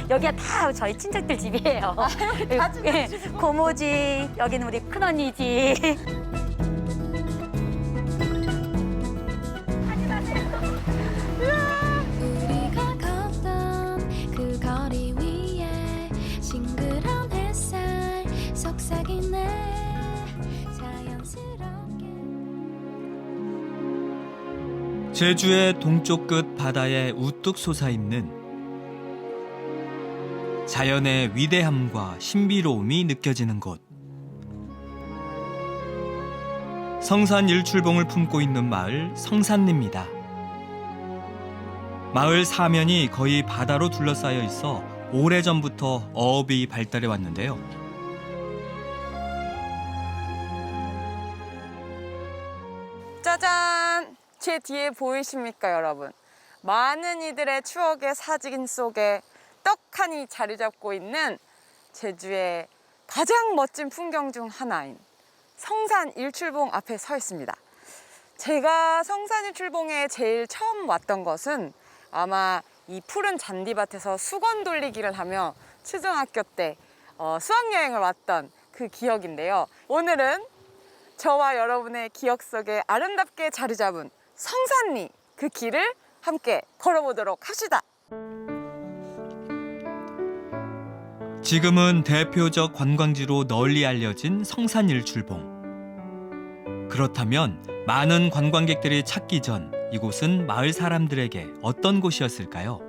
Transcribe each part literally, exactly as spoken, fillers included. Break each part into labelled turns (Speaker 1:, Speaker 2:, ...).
Speaker 1: 여기가 다 저희 친척들 집이에요. 예, 고모 집, 여기는 우리 큰언니 집.
Speaker 2: 우리가 걷던 그 거리 위에 싱그러운 햇살 속삭이네 자연스럽게.
Speaker 3: 제주의 동쪽 끝 바다에 우뚝 솟아있는 자연의 위대함과 신비로움이 느껴지는 곳. 성산 일출봉을 품고 있는 마을 성산리입니다. 마을 사면이 거의 바다로 둘러싸여 있어 오래전부터 어업이 발달해 왔는데요.
Speaker 4: 짜잔! 제 뒤에 보이십니까, 여러분? 많은 이들의 추억의 사진 속에 떡하니 자리 잡고 있는 제주의 가장 멋진 풍경 중 하나인 성산 일출봉 앞에 서 있습니다. 제가 성산 일출봉에 제일 처음 왔던 것은 아마 이 푸른 잔디밭에서 수건 돌리기를 하며 초등학교 때 어, 수학여행을 왔던 그 기억인데요. 오늘은 저와 여러분의 기억 속에 아름답게 자리 잡은 성산리 그 길을 함께 걸어보도록 합시다.
Speaker 3: 지금은 대표적 관광지로 널리 알려진 성산 일출봉. 그렇다면 많은 관광객들이 찾기 전 이곳은 마을 사람들에게 어떤 곳이었을까요?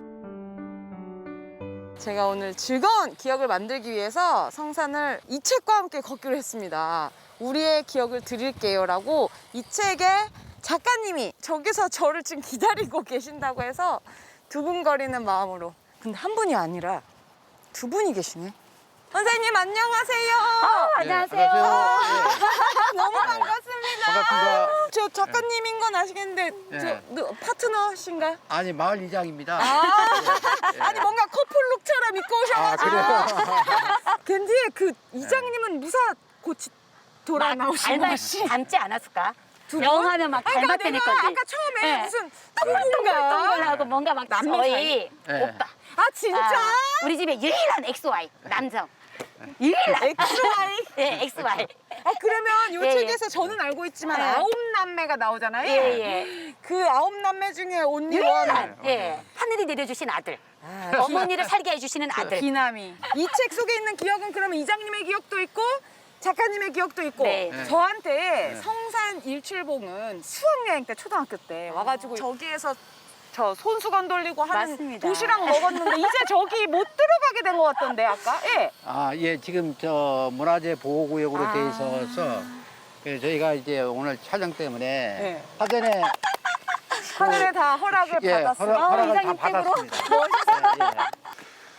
Speaker 4: 제가 오늘 즐거운 기억을 만들기 위해서 성산을 이 책과 함께 걷기로 했습니다. 우리의 기억을 드릴게요라고 이 책의 작가님이 저기서 저를 지금 기다리고 계신다고 해서 두근거리는 마음으로. 근데 한 분이 아니라 두 분이 계시네. 선생님 안녕하세요.
Speaker 1: 아, 안녕하세요.
Speaker 4: 너무 반갑습니다.
Speaker 5: 반갑습니다.
Speaker 4: 저 작가님인 건 아시겠는데
Speaker 5: 네.
Speaker 4: 저 너, 파트너신가?
Speaker 5: 아니 마을 이장입니다.
Speaker 4: 아,
Speaker 5: 예.
Speaker 4: 아니 뭔가 커플룩처럼 입고
Speaker 5: 아,
Speaker 4: 오셔가지고.
Speaker 5: 그래요?
Speaker 4: 겐지 그 이장님은 무사 고치 돌아 나오신
Speaker 1: 닮아,
Speaker 4: 것이.
Speaker 1: 닮지 않았을까?
Speaker 4: 두 분?
Speaker 1: 영화면 막
Speaker 4: 아니, 그러니까
Speaker 1: 닮았다니
Speaker 4: 내가
Speaker 1: 건데.
Speaker 4: 아까 처음에
Speaker 1: 네.
Speaker 4: 무슨
Speaker 1: 동글동글하고
Speaker 4: 동글동글
Speaker 1: 뭔가 막
Speaker 4: 남매
Speaker 1: 저희
Speaker 4: 사이?
Speaker 5: 네.
Speaker 1: 오빠.
Speaker 4: 아 진짜?
Speaker 1: 아, 우리 집에 유일한 엑스와이 남성. 유일한.
Speaker 4: 엑스와이?
Speaker 1: 예, 엑스와이.
Speaker 4: 아 그러면 이
Speaker 1: 예,
Speaker 4: 책에서 저는 알고 있지만
Speaker 1: 예.
Speaker 4: 아홉 남매가 나오잖아요.
Speaker 1: 예, 예.
Speaker 4: 그 아홉 남매 중에 온리
Speaker 1: 유일한.
Speaker 4: 원.
Speaker 1: 예. 하늘이 내려주신 아들.
Speaker 4: 아,
Speaker 1: 어머니를 살게 해주시는 아들.
Speaker 4: 기남이. 이 책 속에 있는 기억은 그러면 이장님의 기억도 있고 작가님의 기억도 있고
Speaker 1: 네.
Speaker 5: 네.
Speaker 4: 저한테
Speaker 5: 네.
Speaker 4: 성산 일출봉은 수학여행 때 초등학교 때 와가지고 저기에서 저 손수건 돌리고 하는
Speaker 1: 맞습니다.
Speaker 4: 도시락 먹었는데 이제 저기 못 들어가게 된 것 같던데 아까? 예.
Speaker 5: 아, 예, 지금 저 문화재 보호구역으로
Speaker 4: 아.
Speaker 5: 돼 있어서 그래서 저희가 이제 오늘 촬영 때문에
Speaker 4: 네.
Speaker 5: 사전에
Speaker 4: 하늘에 다 허락을
Speaker 5: 예,
Speaker 4: 받았어요.
Speaker 5: 허락, 허락을 다
Speaker 1: 이장님 댁으로?
Speaker 5: 받았습니다. 예, 예.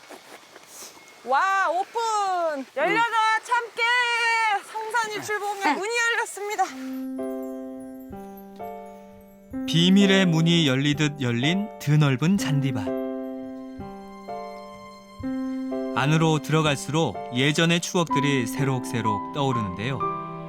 Speaker 4: 와 오픈! 열려라 참깨! 성산 일출봉에 문이 열렸습니다.
Speaker 3: 비밀의 문이 열리듯 열린 드넓은 잔디밭. 안으로 들어갈수록 예전의 추억들이 새록새록 떠오르는데요.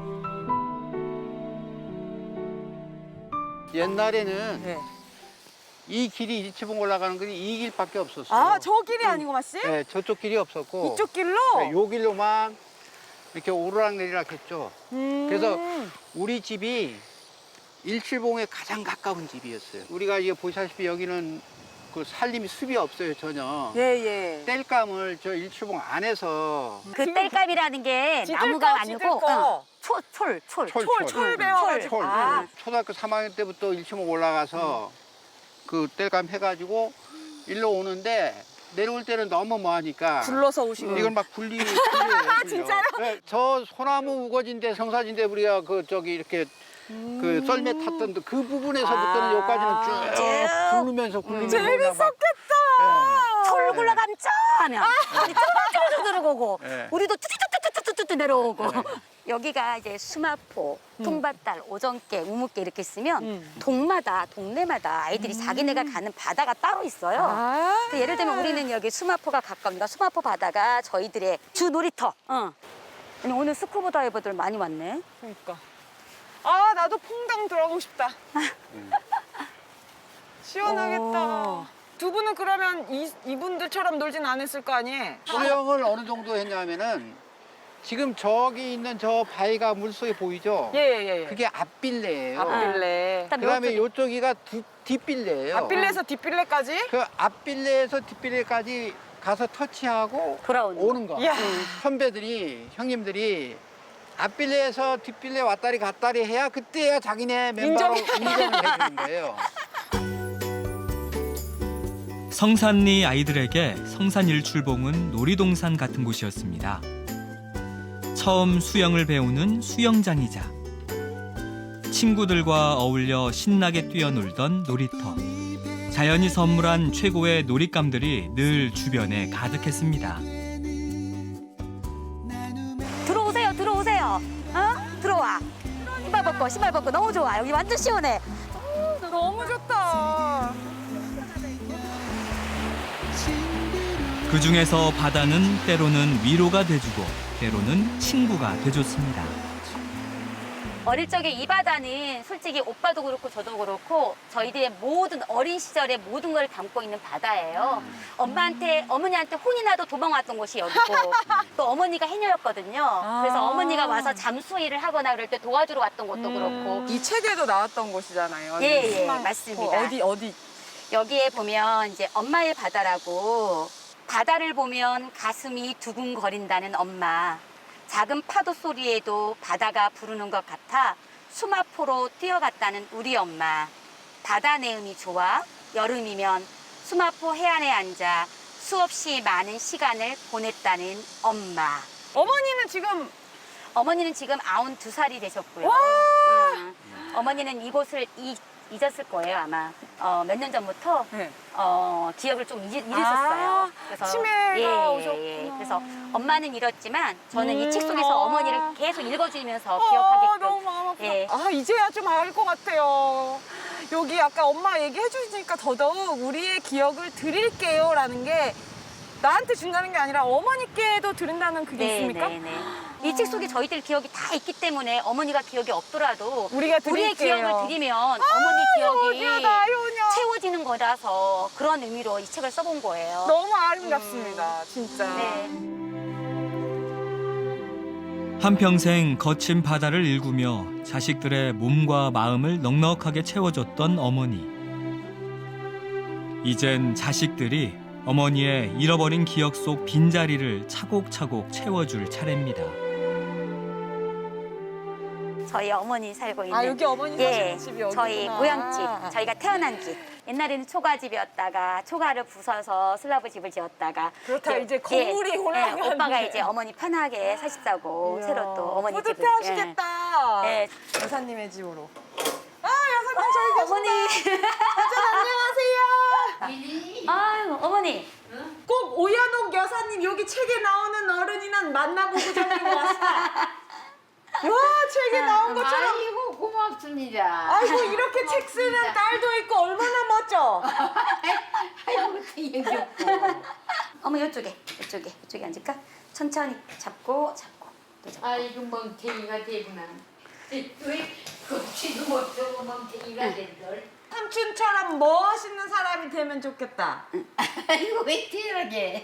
Speaker 5: 옛날에는
Speaker 4: 네.
Speaker 5: 이 길이 일치봉 올라가는 길이 이 길밖에 없었어요.
Speaker 4: 아 저 길이 아니고 마씨?
Speaker 5: 예, 저쪽 길이 없었고
Speaker 4: 이쪽 길로?
Speaker 5: 네, 요 길로만 이렇게 오르락 내리락 했죠.
Speaker 4: 음.
Speaker 5: 그래서 우리 집이 일출봉에 가장 가까운 집이었어요. 우리가 이게 보시다시피 여기는 그 살림이 숲이 없어요 전혀.
Speaker 4: 예예.
Speaker 5: 땔감을 저 일출봉 안에서
Speaker 1: 그 땔감이라는 게
Speaker 4: 찢을
Speaker 1: 나무가
Speaker 4: 거, 찢을
Speaker 1: 아니고
Speaker 4: 거.
Speaker 1: 어, 초, 철, 철.
Speaker 5: 철,
Speaker 4: 철, 철 배워가지고.
Speaker 5: 철.
Speaker 4: 아.
Speaker 5: 초등학교 삼 학년 때부터 일출봉 올라가서 그 땔감 해가지고 일로 오는데 내려올 때는 너무 뭐하니까
Speaker 4: 굴러서 오시고.
Speaker 5: 이걸 막 굴리, 굴려요. 굴려.
Speaker 4: 진짜요?
Speaker 5: 네, 저 소나무 우거진데 성사진데 우리가 그 저기 이렇게 그 썰매 탔던 그 부분에서부터는
Speaker 4: 아.
Speaker 5: 여기까지는 쭉 굴르면서 굴리면서 그냥 막-
Speaker 4: 재밌었겠다.
Speaker 1: 철 굴러가면 쩌 하면 쩌쩌쩌 들어오고
Speaker 5: 네.
Speaker 1: 우리도 뚜뚜뚜뚜뚜뚜뚜 내려오고 여기가 이제 수마포, 통밭달, 오정개, 우묵개 이렇게 있으면
Speaker 4: 음.
Speaker 1: 동마다 동네마다 아이들이 자기네가 가는 바다가 따로 있어요.
Speaker 4: 아.
Speaker 1: 그 예를 들면 우리는 여기 수마포가 가까우니까 수마포 바다가 저희들의 주 놀이터. 어. 아니, 오늘 스쿠버 다이버들 많이 왔네.
Speaker 4: 그러니까. 아 나도 퐁당 들어가고 싶다. 시원하겠다.
Speaker 1: 오.
Speaker 4: 두 분은 그러면 이, 이분들처럼 놀진 않았을 거 아니에요?
Speaker 5: 수영을 어느 정도 했냐면은 지금 저기 있는 저 바위가 물속에 보이죠?
Speaker 4: 예예예.
Speaker 5: 그게 앞빌레예요.
Speaker 4: 앞빌레.
Speaker 1: 일단
Speaker 5: 그다음에
Speaker 1: 요쪽-
Speaker 5: 요쪽이가 두- 뒷빌레예요.
Speaker 4: 앞빌레에서 뒷빌레까지?
Speaker 5: 그 앞빌레에서 뒷빌레까지 가서 터치하고
Speaker 1: 돌아오는
Speaker 5: 오는 거.
Speaker 4: 이야.
Speaker 5: 선배들이 형님들이 앞빌레에서 뒷빌레 왔다리 갔다리 해야 그때야 자기네 멤버로 인정을 해주는 거예요.
Speaker 3: 성산리 아이들에게 성산일출봉은 놀이동산 같은 곳이었습니다. 처음 수영을 배우는 수영장이자 친구들과 어울려 신나게 뛰어놀던 놀이터. 자연이 선물한 최고의 놀잇감들이 늘 주변에 가득했습니다.
Speaker 1: 들어오세요, 들어오세요. 어? 들어와. 신발 벗고, 신발 벗고. 너무 좋아. 여기 완전 시원해.
Speaker 4: 너무 좋다.
Speaker 3: 그 중에서 바다는 때로는 위로가 돼주고 때로는 친구가 돼줬습니다.
Speaker 1: 어릴 적에 이 바다는 솔직히 오빠도 그렇고 저도 그렇고 저희들의 모든 어린 시절의 모든 걸 담고 있는 바다예요. 엄마한테, 어머니한테 혼이 나도 도망왔던 곳이 여기고 또 어머니가 해녀였거든요. 그래서 어머니가 와서 잠수 일을 하거나 그럴 때 도와주러 왔던 곳도 그렇고
Speaker 4: 이 책에도 나왔던 곳이잖아요.
Speaker 1: 예, 예,
Speaker 4: 수만-
Speaker 1: 맞습니다.
Speaker 4: 어디 어디?
Speaker 1: 여기에 보면 이제 엄마의 바다라고 바다를 보면 가슴이 두근거린다는 엄마. 작은 파도 소리에도 바다가 부르는 것 같아 수마포로 뛰어갔다는 우리 엄마. 바다 내음이 좋아 여름이면 수마포 해안에 앉아 수없이 많은 시간을 보냈다는 엄마.
Speaker 4: 어머니는 지금
Speaker 1: 어머니는 지금 아흔두 살이 되셨고요.
Speaker 4: 와!
Speaker 1: 음, 어머니는 이곳을 이, 잊었을 거예요 아마. 어, 몇 년 전부터
Speaker 4: 네.
Speaker 1: 어, 기억을 좀 잊, 잃으셨어요.
Speaker 4: 아, 치매가 오셨구나.
Speaker 1: 예. 그래서 엄마는 잃었지만 저는
Speaker 4: 음,
Speaker 1: 이 책 속에서
Speaker 4: 아.
Speaker 1: 어머니를 계속 읽어주면서
Speaker 4: 아,
Speaker 1: 기억하게끔.
Speaker 4: 너무 마음 아프다.
Speaker 1: 예.
Speaker 4: 아, 이제야 좀 알 것 같아요. 여기 아까 엄마 얘기해 주시니까 더더욱 우리의 기억을 드릴게요라는 게 나한테 준다는 게 아니라 어머니께도 드린다는 그게 있습니까?
Speaker 1: 네, 네. 이 책 속에 저희들 기억이 다 있기 때문에 어머니가 기억이 없더라도
Speaker 4: 우리가
Speaker 1: 우리의
Speaker 4: 드릴게요.
Speaker 1: 기억을 드리면 어머니 기억이
Speaker 4: 효녀다, 효녀.
Speaker 1: 채워지는 거라서 그런 의미로 이 책을 써본 거예요.
Speaker 4: 너무 아름답습니다, 진짜.
Speaker 1: 네.
Speaker 3: 한평생 거친 바다를 일구며 자식들의 몸과 마음을 넉넉하게 채워줬던 어머니. 이젠 자식들이 어머니의 잃어버린 기억 속 빈자리를 차곡차곡 채워줄 차례입니다.
Speaker 1: 저희 어머니 살고 있는
Speaker 4: 아, 여기 어머니
Speaker 1: 예,
Speaker 4: 사시는 집이 여기구나.
Speaker 1: 저희 고향집, 저희가 태어난 집. 옛날에는 초가집이었다가 초가를 부숴서 슬라브 집을 지었다가
Speaker 4: 그렇다,
Speaker 1: 예,
Speaker 4: 이제 건물이
Speaker 1: 예,
Speaker 4: 올라가는데.
Speaker 1: 예, 오빠가 이제 어머니 편하게 사십자고 새로 또 어머니 집을
Speaker 4: 뿌듯해하시겠다.
Speaker 1: 예. 예.
Speaker 4: 여사님의 집으로. 아, 여사님 저희
Speaker 1: 어머니
Speaker 4: 안녕하세요.
Speaker 1: 아유 어머니
Speaker 4: 꼭 오연옥 여사님 여기 책에 나오는 어른이는 만나보고 저기 왔어. 와, 책에 나온 것처럼.
Speaker 6: 아이고 고맙습니다.
Speaker 4: 아이고, 이렇게 책 쓰는 딸도 있고 얼마나 멋져.
Speaker 6: 아이고 되게 귀엽고.
Speaker 1: 어머 이쪽에 이쪽에 이쪽에 앉을까? 천천히 잡고 잡고 또 잡고
Speaker 6: 아이고 멍탱이가 되구나. 왜 걷지도 못하고 멍탱이가 된들.
Speaker 4: 삼촌처럼 멋있는 사람이 되면 좋겠다.
Speaker 6: 아이고 왜 태어나게.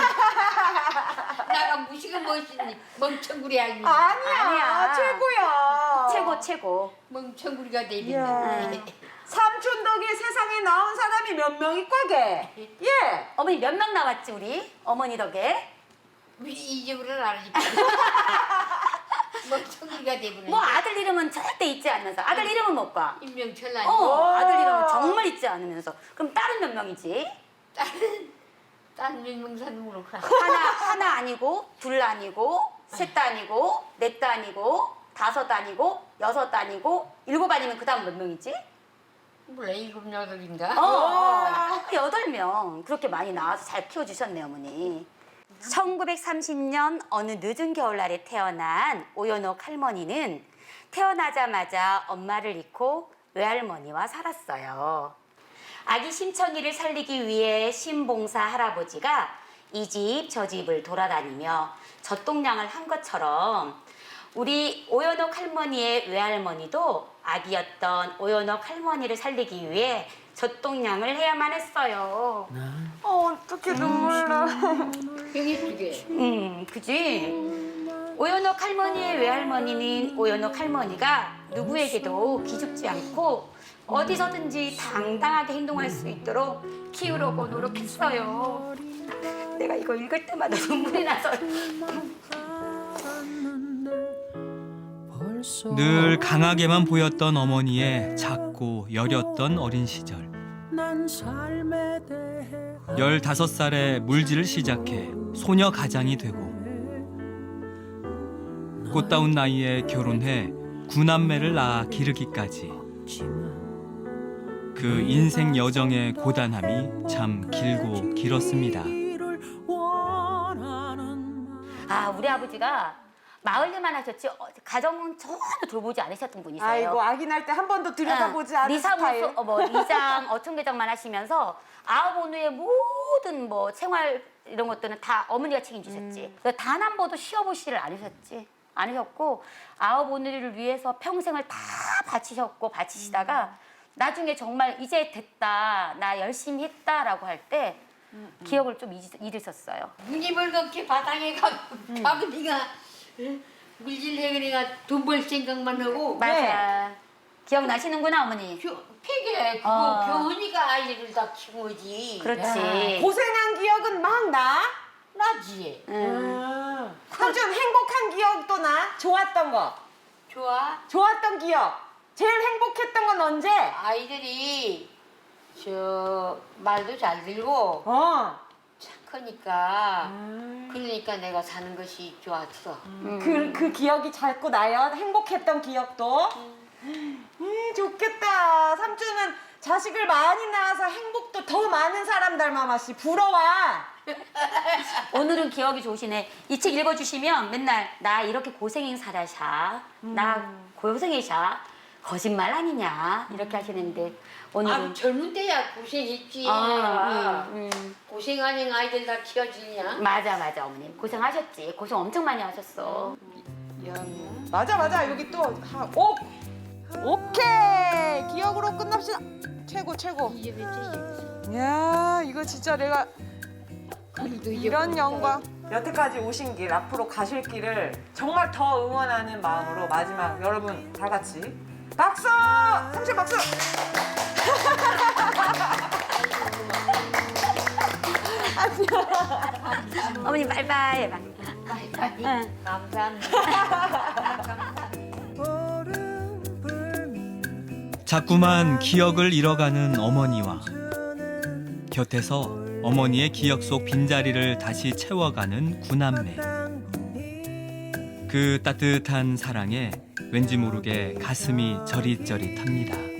Speaker 6: 나가 무시가 멋있니 멍청구리 아니.
Speaker 4: 아니야,
Speaker 1: 아니야.
Speaker 4: 최고야.
Speaker 1: 최고 최고
Speaker 6: 멍청구리가
Speaker 4: 이야.
Speaker 6: 되겠네.
Speaker 4: 삼촌 덕에 세상에 나온 사람이 몇 명이 꽉해. 예.
Speaker 1: 어머니 몇 명 나왔지 우리 어머니 덕에
Speaker 6: 우리 이 집으로는 알지. 멍청구리가 되구나.
Speaker 1: 뭐 아들 이름은 절대 잊지 않으면서 아들 이름은 못 봐.
Speaker 6: 임명철 아니.
Speaker 1: 어 아들 이름은 정말 잊지 않으면서 그럼 딸은 몇 명이지?
Speaker 6: 딸은 딸 민명산 모르구나.
Speaker 1: 하나 하나 아니고 둘 아니고 셋 아니고 넷 아니고 다섯 아니고 여섯 아니고 일곱 아니면 그 다음 몇 명이지?
Speaker 6: 몰라 일곱 여덟인가.
Speaker 1: 어, 어 여덟 명 그렇게 많이 나와서 잘 키워주셨네 어머니. 천구백삼십 년 어느 늦은 겨울날에 태어난 오연옥 할머니는 태어나자마자 엄마를 잃고 외할머니와 살았어요. 아기 심청이를 살리기 위해 신봉사 할아버지가 이 집 저 집을 돌아다니며 젖동량을 한 것처럼 우리 오연옥 할머니의 외할머니도 아기였던 오연옥 할머니를 살리기 위해 젖동량을 해야만 했어요.
Speaker 4: 어, 어떻게 눈물 나.
Speaker 6: 형이 그게.
Speaker 1: 음, 그지? 오연옥 할머니의 외할머니는 오연옥 할머니가 누구에게도 기죽지 않고 어디서든지 당당하게 행동할 수 있도록 키우려고 노력했어요. 내가 이거 읽을 때마다 눈물이 나서.
Speaker 3: 늘 강하게만 보였던 어머니의 작고 여렸던 어린 시절. 열다섯 살에 물질을 시작해 소녀 가장이 되고 꽃다운 나이에 결혼해 구남매를 낳아 기르기까지. 그 인생 여정의 고단함이 참 길고 길었습니다.
Speaker 1: 아, 우리 아버지가 마을 일만 하셨지 어, 가정은 전혀 돌보지 않으셨던 분이세요.
Speaker 4: 아이고, 아기 날 때 한 번도 들여다보지
Speaker 1: 응,
Speaker 4: 않은
Speaker 1: 리사무소,
Speaker 4: 스타일.
Speaker 1: 어, 뭐 이장, 어촌계장만 하시면서 아홉 오누의 모든 뭐 생활 이런 것들은 다 어머니가 책임지셨지.
Speaker 4: 음.
Speaker 1: 단 한 번도 쉬어보시를 않으셨지. 않으셨고 아홉 오누리를 위해서 평생을 다 바치셨고 바치시다가
Speaker 4: 음.
Speaker 1: 나중에 정말 이제 됐다, 나 열심히 했다라고 할 때
Speaker 4: 음,
Speaker 1: 기억을 좀 잊, 잃으셨어요.
Speaker 6: 눈이 벌겋게 바닥에 가, 가고 네가 물질 해그리가 돈 벌 생각만 하고
Speaker 1: 맞아. 기억나시는구나, 어머니.
Speaker 6: 교, 폐게 그거
Speaker 1: 어.
Speaker 6: 교훈이가 아이들을 다 키운 거지.
Speaker 1: 그렇지.
Speaker 4: 고생한 기억은 막 나?
Speaker 6: 나지.
Speaker 1: 응.
Speaker 4: 삼촌 행복한 기억도 나? 좋았던 거.
Speaker 6: 좋아.
Speaker 4: 좋았던 기억. 제일 행복했던 건 언제?
Speaker 6: 아이들이 저 말도 잘 들고
Speaker 4: 어.
Speaker 6: 착하니까 그러니까 내가 사는 것이 좋았어.
Speaker 4: 그, 그 기억이 자꾸 나요? 행복했던 기억도? 음, 좋겠다. 삼촌은 자식을 많이 낳아서 행복도 더 많은 사람 닮아마시. 부러워.
Speaker 1: 오늘은 기억이 좋으시네. 이 책 읽어주시면 맨날 나 이렇게 고생인 사라샤, 나 고생이샤, 거짓말 아니냐 이렇게 하시는데 오늘은
Speaker 6: 아 젊은 때야 고생했지.
Speaker 1: 아, 음, 음.
Speaker 6: 고생 아닌 아이들 다 키워주냐?
Speaker 1: 맞아 맞아 어머님 고생하셨지. 고생 엄청 많이 하셨어.
Speaker 4: 맞아, 맞아. 여기 또. 하, 오! 오케이! 기억으로 끝납시다. 최고, 최고.
Speaker 6: 이제 몇
Speaker 4: 야, 이거 진짜 내가
Speaker 6: 그래도
Speaker 4: 이런 영광. 여태까지 오신 길, 앞으로 가실 길을 정말 더 응원하는 마음으로 마지막 여러분 다 같이 박수! 삼촌 박수!
Speaker 1: 어머님 바이바이 해봐. 응.
Speaker 6: 감사합니다.
Speaker 3: 자꾸만 기억을 잃어가는 어머니와 곁에서 어머니의 기억 속 빈자리를 다시 채워가는 구남매. 그 따뜻한 사랑에 왠지 모르게 가슴이 저릿저릿합니다.